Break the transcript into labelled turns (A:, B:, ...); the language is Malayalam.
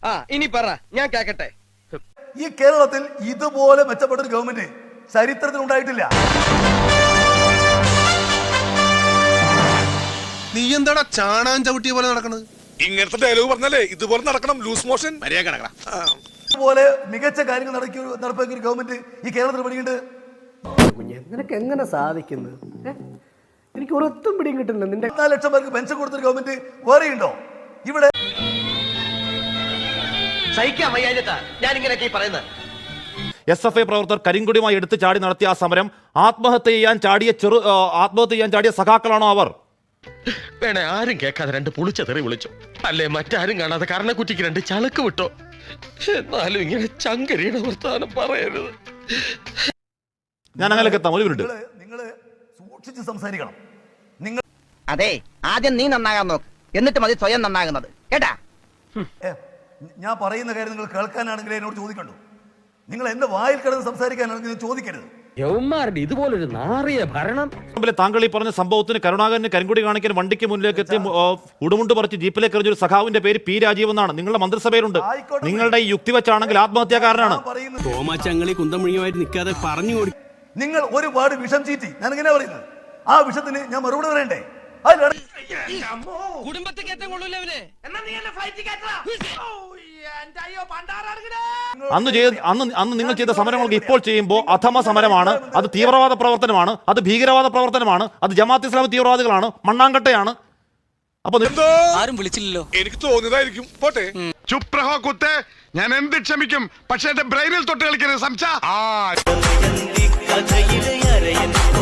A: ഇനി പറ, ഞാൻ കേക്കട്ടെ.
B: ഈ കേരളത്തിൽ ഇതുപോലെ മെച്ചപ്പെട്ട ഒരു ഗവൺമെന്റ് ചരിത്രത്തിൽ ഉണ്ടായിട്ടില്ല.
C: നീ എന്താടാ ചാണാൻ ചവിട്ടിയ പോലെ നടക്കണത്?
D: ഇങ്ങനത്തെ ഡയലോഗ് പറഞ്ഞാലേ ഇതുപോലെ നടക്കണം. ലൂസ് മോഷൻ
B: ഇതുപോലെ മികച്ച കാര്യങ്ങൾ നടപ്പാക്കിയ ഒരു ഗവൺമെന്റ് ഈ കേരളത്തിൽ പണിയുണ്ട്.
E: നിനക്ക് എങ്ങനെ സാധിക്കുന്നത്? എനിക്ക് ഒരൊത്തും പിടിയും കിട്ടുന്നില്ല. നിന്റെ
B: 4 ലക്ഷം പേർക്ക് പെൻഷൻ കൊടുത്തൊരു ഗവൺമെന്റ് വേറെയുണ്ടോ ഇവിടെ?
A: സഹിക്കാൻ വയ്യാഞ്ഞിട്ടാ ഞാൻ ഇങ്ങനെയൊക്കെ പറയുന്നത്.
F: SFI പ്രവർത്തകർ കരിങ്കൊടിയുമായി എടുത്ത് ചാടി നടത്തിയ ആ സമരം ആത്മഹത്യ ചെയ്യാൻ ചാടിയ സഖാക്കളാണോ അവർ?
G: വേണേ ആരും കേൾക്കാതെ 2 പുളിച്ച തെറി വിളിച്ചോ, അല്ലേ മറ്റാരും കാണാതെ കർണക്കുറ്റിക്ക് 2 ചളക്ക് വിട്ടോ. എന്നാലും ഇങ്ങനെ ചങ്കരിയുടെ വർത്താനം പറയരുത്.
F: ഞാൻ അങ്ങനെയൊക്കെ എത്താം. ഒരു മിനിറ്റ്.
B: നിങ്ങള് സൂക്ഷിച്ച് സംസാരിക്കണം.
H: അതെ, ആദ്യം നീ നന്നാകാൻ നോക്ക്, എന്നിട്ട് മതി സ്വയം നന്നാകുന്നത്, കേട്ടാ?
B: ഞാൻ പറയുന്ന കാര്യം നിങ്ങൾ കേൾക്കാനാണെങ്കിൽ എന്നോട് ചോദിക്കണ്ടു. നിങ്ങൾ എന്റെ വായിൽ കിടന്ന് സംസാരിക്കാനാണെങ്കിൽ ചോദിക്കരുത്.
E: യവന്മാരുടെ ഇതുപോലൊരു നാറിയ ഭരണം.
F: താങ്കൾ ഈ പറഞ്ഞ സംഭവത്തിന് കരുണാകരന് കരിങ്കൊടി കാണിക്കാൻ വണ്ടിക്ക് മുന്നിലേക്ക് എത്തി ഉടുമുണ്ട് പറിച്ച് ജീപ്പിലേക്ക് എറിഞ്ഞൊരു സഖാവിന്റെ പേര് പി രാജീവ് എന്നാണ്. നിങ്ങളുടെ മന്ത്രിസഭയിലുണ്ട്. നിങ്ങളുടെ ഈ യുക്തി വെച്ചാണെങ്കിൽ ആത്മഹത്യാകാരനാണ്.
I: തോമാച്ചങ്ങളി കുന്തമുഴിയുമായിട്ട് നിൽക്കാതെ പറഞ്ഞു കൊടുക്കും.
B: നിങ്ങൾ ഒരുപാട് വിഷം ചീറ്റി. ഞാൻ ഇങ്ങനെ പറയുന്നത്, ആ വിഷത്തിന് ഞാൻ മറുപടി പറയണ്ടേ?
F: അന്ന് നിങ്ങൾ ചെയ്ത സമരങ്ങൾക്ക് ഇപ്പോൾ ചെയ്യുമ്പോൾ അധമ സമരമാണ്. അത് തീവ്രവാദ പ്രവർത്തനമാണ്, അത് ഭീകരവാദ പ്രവർത്തനമാണ്, അത് ജമാഅത്ത് ഇസ്ലാമി തീവ്രവാദികളാണ്, മണ്ണാങ്കട്ടയാണ്. അപ്പൊ
I: ആരും വിളിച്ചില്ലല്ലോ.
D: എനിക്ക് തോന്നിയതായിരിക്കും. പോട്ടെ.
C: ചുപ്രഹോ കുത്തേ, ഞാൻ എന്ത് ക്ഷമിക്കും, പക്ഷെ എന്റെ ബ്രെയിനിൽ തൊട്ട് കളിക്കരുത് സംസാ.